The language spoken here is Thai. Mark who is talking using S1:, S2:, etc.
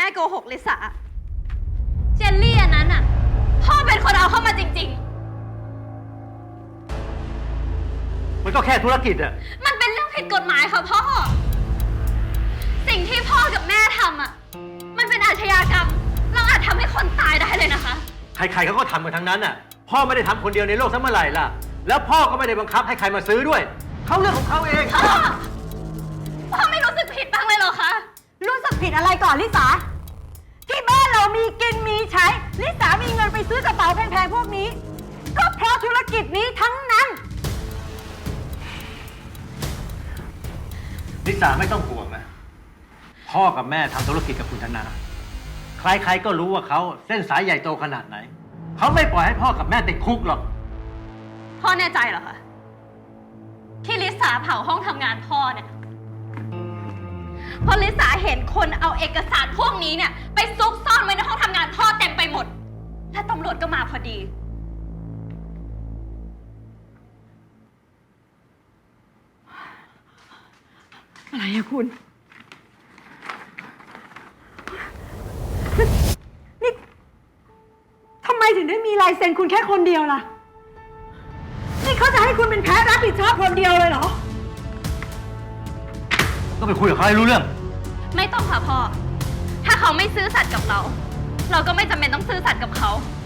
S1: โกหกลิสาเจลลี่อันนั้นอ่ะพ่อเป็นคนเอาเข้ามาจริง
S2: มันก็แค่ธุรกิจอะ
S1: มันเป็นเรื่องผิดกฎหมายค่ะพ่อสิ่งที่พ่อกับแม่ทำอ่ะมันเป็นอาชญากรรมเราอาจทำให้คนตายได้เลยนะคะ
S2: ใครๆเขาก็ทำกันทั้งนั้นอะพ่อไม่ได้ทำคนเดียวในโลกซะเมื่อไหร่ล่ะแล้วพ่อก็ไม่ได้บังคับให้ใครมาซื้อด้วยเขาเรื่องของเขาเอง
S1: พ่อไม่รู้สึกผิดบ้างเลยเหรอคะ
S3: รู้สึกผิดอะไรก่อนลิสาที่บ้านเรามีกินมีใช้ลิสามีเงินไปซื้อกระเป๋าแพงๆพวกนี้ก็เพราะธุรกิจนี้ทั้งนั้น
S2: ลิสาไม่ต้องห่วงนะพ่อกับแม่ทำธุรกิจกับคุณธนาใครๆก็รู้ว่าเขาเส้นสายใหญ่โตขนาดไหนเขาไม่ปล่อยให้พ่อกับแม่ติดคุกหรอก
S1: พ่อแน่ใจเหรอคะที่ลิสาเผาห้องทำงานพ่อเนี่ยเพราะลิสาเห็นคนเอาเอกสารพวกนี้เนี่ยไปซุกซ่อนไว้ในห้องทำงานพ่อเต็มไปหมดและตำรวจก็มาพอดี
S3: อะไรอะคุณนี่ทำไมถึงได้มีลายเซ็นคุณแค่คนเดียวล่ะนี่เขาจะให้คุณเป็นแพ้รับผิดชอบคนเดียวเลยเหรอ
S2: ก็ไปคุยกับเขาให้รู้เรื่อง
S1: ไม่ต้องค่ะพ่อถ้าเขาไม่ซื่อสัตย์กับเราก็ไม่จำเป็นต้องซื่อสัตย์กับเขา